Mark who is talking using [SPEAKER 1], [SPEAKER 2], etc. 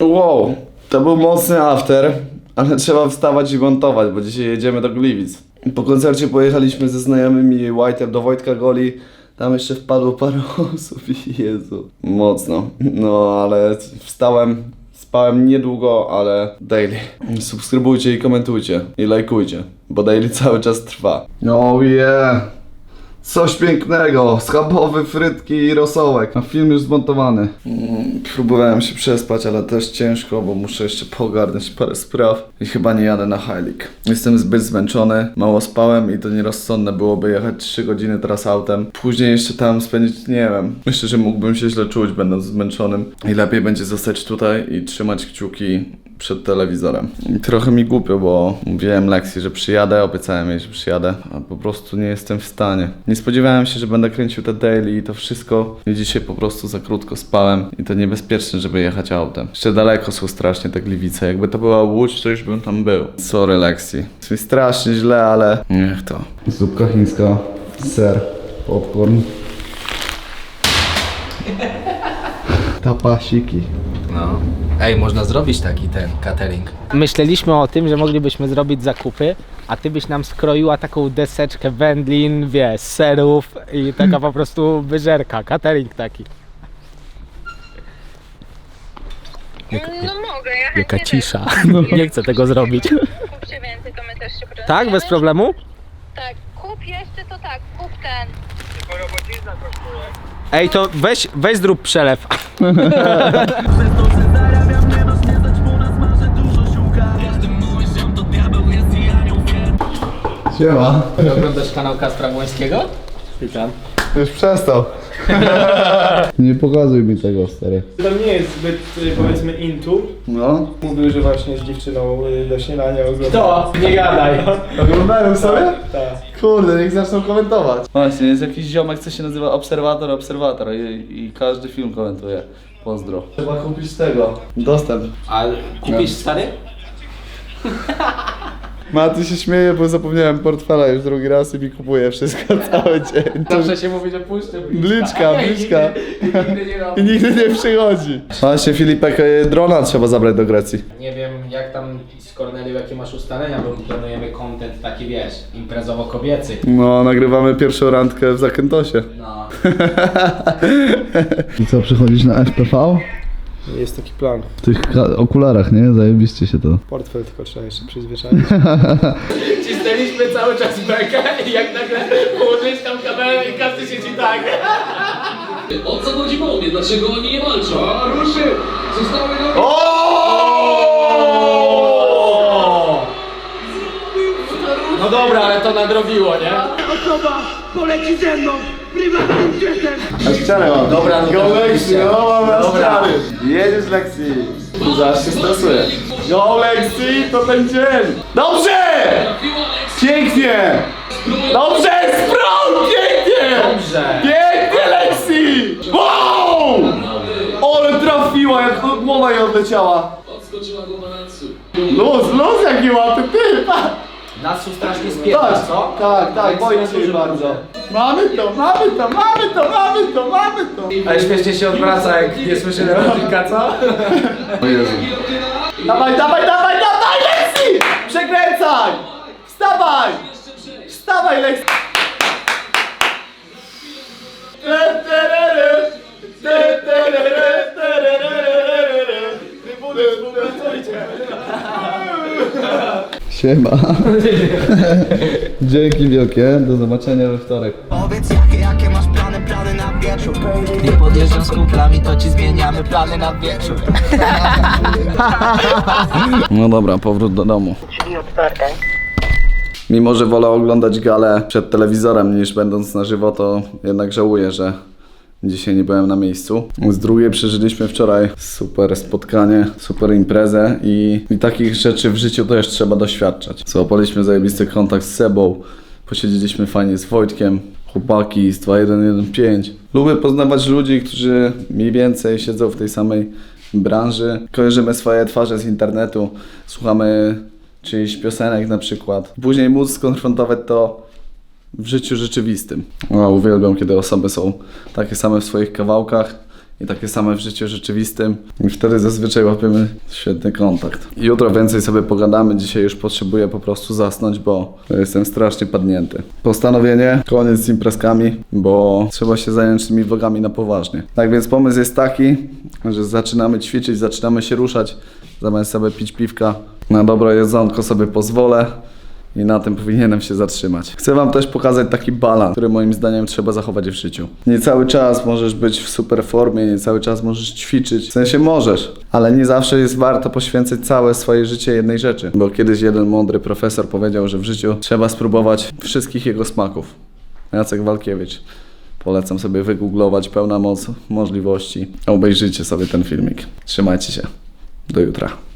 [SPEAKER 1] Wow, to był mocny after, ale trzeba wstawać i montować, bo dzisiaj jedziemy do Gliwic. Po koncercie pojechaliśmy ze znajomymi White'em do Wojtka Goli. Tam jeszcze wpadło parę osób i Jezu, mocno. No ale spałem niedługo, ale daily. Subskrybujcie i komentujcie i lajkujcie, bo daily cały czas trwa. Oh yeah! Coś pięknego, schabowy, frytki i rosołek. A film już zmontowany. Próbowałem się przespać, ale też ciężko, bo muszę jeszcze pogarnąć parę spraw. I chyba nie jadę na Heilig. Jestem zbyt zmęczony, mało spałem i to nierozsądne byłoby jechać 3 godziny teraz autem. Później jeszcze tam spędzić, nie wiem. Myślę, że mógłbym się źle czuć, będąc zmęczonym. I lepiej będzie zostać tutaj i trzymać kciuki przed telewizorem. I trochę mi głupio, bo mówiłem Lexi, że przyjadę, obiecałem jej, że przyjadę, a po prostu nie jestem w stanie. Nie spodziewałem się, że będę kręcił te daily i to wszystko. I dzisiaj po prostu za krótko spałem i to niebezpieczne, żeby jechać autem. Jeszcze daleko są strasznie te Gliwice. Jakby to była Łódź, to już bym tam był. Sorry Lexi. Jest mi strasznie źle, ale niech to. Zupka chińska, ser, popcorn. Tapasiki.
[SPEAKER 2] No. Ej, można zrobić taki catering.
[SPEAKER 3] Myśleliśmy o tym, że moglibyśmy zrobić zakupy, a ty byś nam skroiła taką deseczkę wędlin, wiesz, serów i taka po prostu wyżerka, catering taki.
[SPEAKER 4] No mogę, ja
[SPEAKER 3] Jaka
[SPEAKER 4] chętnie
[SPEAKER 3] cisza. Nie chcę tego zrobić.
[SPEAKER 4] Kupcie więcej, to my też się podzielimy.
[SPEAKER 3] Tak, bez problemu?
[SPEAKER 4] Tak, kup jeszcze to tak, kup ten.
[SPEAKER 3] Ej, to weź zrób przelew.
[SPEAKER 1] Siema.
[SPEAKER 3] Oglądasz kanał Kacpra Błońskiego? Witam.
[SPEAKER 1] Już przestał. Nie pokazuj mi tego, stary.
[SPEAKER 5] To nie jest zbyt, powiedzmy, into.
[SPEAKER 1] No.
[SPEAKER 5] Mówił, że właśnie z dziewczyną do śniadania oglądał.
[SPEAKER 3] To, nie gadaj.
[SPEAKER 1] Oglądają sobie?
[SPEAKER 5] Tak.
[SPEAKER 1] Kurde, niech zaczną komentować. Właśnie, jest jakiś ziomek, co się nazywa Obserwator i każdy film komentuje. Pozdro. Trzeba kupić tego. Dostęp.
[SPEAKER 3] A kupisz stary?
[SPEAKER 1] Maty się śmieje, bo zapomniałem portfela już drugi raz i mi kupuje wszystko cały dzień.
[SPEAKER 3] Zawsze się mówi, że puszczę
[SPEAKER 1] Bliczka.
[SPEAKER 3] Nigdy nie robię.
[SPEAKER 1] I nigdy nie przychodzi. Właśnie Filipek, drona trzeba zabrać do Grecji.
[SPEAKER 3] Nie wiem jak tam z Kornelią, jakie masz ustalenia, bo planujemy content taki, wiesz, imprezowo-kobiecy.
[SPEAKER 1] No, nagrywamy pierwszą randkę w Zakętosie.
[SPEAKER 3] No.
[SPEAKER 1] I co, przychodzisz na FPV?
[SPEAKER 5] Jest taki plan.
[SPEAKER 1] W tych okularach, nie? Zajebiście się to.
[SPEAKER 5] Portfel tylko trzeba jeszcze przyzwyczaić.
[SPEAKER 3] Cisnęliśmy cały czas bekę i jak nagle położyłeś tam kamerę i każdy siedzi tak.
[SPEAKER 6] O co chodzi w mnie? Dlaczego oni nie walczą? A ruszy! Zostały nogi!
[SPEAKER 3] No dobra, ale to nadrobiło, nie?
[SPEAKER 7] Osoba poleci ze mną prywatnym jetem.
[SPEAKER 1] A ścianę mam.
[SPEAKER 3] Dobra, no
[SPEAKER 1] Go
[SPEAKER 3] to
[SPEAKER 1] Lexi,
[SPEAKER 3] oczywiście.
[SPEAKER 1] no mamy
[SPEAKER 3] Dobra.
[SPEAKER 1] ściany. Jedziesz Lexi. Zaraz się stresuje. Go Lexi, to ten dzień. Dobrze! Pięknie! Dobrze, sprąd! Pięknie!
[SPEAKER 3] Dobrze.
[SPEAKER 1] Pięknie Lexi! Wow! Ale trafiła, jak głowa jej odleciała.
[SPEAKER 6] Odskoczyła do balansu.
[SPEAKER 1] Luz jaki łapy, ty!
[SPEAKER 3] Nas tu strasznie spierdza, co?
[SPEAKER 1] Tak, boję się jej bardzo. Mamy to!
[SPEAKER 3] Ale śmiesznie się odwraca, jak nie słyszy repryka, co?
[SPEAKER 1] O Jezu. Dawaj, Lexi! Przekręcaj! Wstawaj, Lexi! Siema. Dzięki wielkie, do zobaczenia we wtorek.
[SPEAKER 8] Powiedz jakie masz plany na wieczór.
[SPEAKER 3] Nie podjeżdżam z kumplami, to ci zmieniamy plany na wieczór.
[SPEAKER 1] No dobra, powrót do domu. Mimo, że wolę oglądać galę przed telewizorem niż będąc na żywo, to jednak żałuję, że dzisiaj nie byłem na miejscu. Z drugiej przeżyliśmy wczoraj super spotkanie, super imprezę i takich rzeczy w życiu też trzeba doświadczać. Złapaliśmy zajebisty kontakt z Sebą, posiedzieliśmy fajnie z Wojtkiem, chłopaki z 2115. Lubię poznawać ludzi, którzy mniej więcej siedzą w tej samej branży. Kojarzymy swoje twarze z internetu, słuchamy czyichś piosenek na przykład. Później móc skonfrontować to w życiu rzeczywistym. Uwielbiam, kiedy osoby są takie same w swoich kawałkach i takie same w życiu rzeczywistym i wtedy zazwyczaj łapiemy świetny kontakt. Jutro więcej sobie pogadamy, dzisiaj już potrzebuję po prostu zasnąć, bo jestem strasznie padnięty. Postanowienie, koniec z imprezkami, bo trzeba się zająć tymi vlogami na poważnie. Tak więc pomysł jest taki, że zaczynamy ćwiczyć, zaczynamy się ruszać, zamiast sobie pić piwka, na dobre jedzonko sobie pozwolę. I na tym powinienem się zatrzymać. Chcę wam też pokazać taki balans, który moim zdaniem trzeba zachować w życiu. Nie cały czas możesz być w super formie, nie cały czas możesz ćwiczyć. W sensie możesz, ale nie zawsze jest warto poświęcać całe swoje życie jednej rzeczy. Bo kiedyś jeden mądry profesor powiedział, że w życiu trzeba spróbować wszystkich jego smaków. Jacek Walkiewicz. Polecam sobie wygooglować, pełna moc możliwości. Obejrzyjcie sobie ten filmik. Trzymajcie się. Do jutra.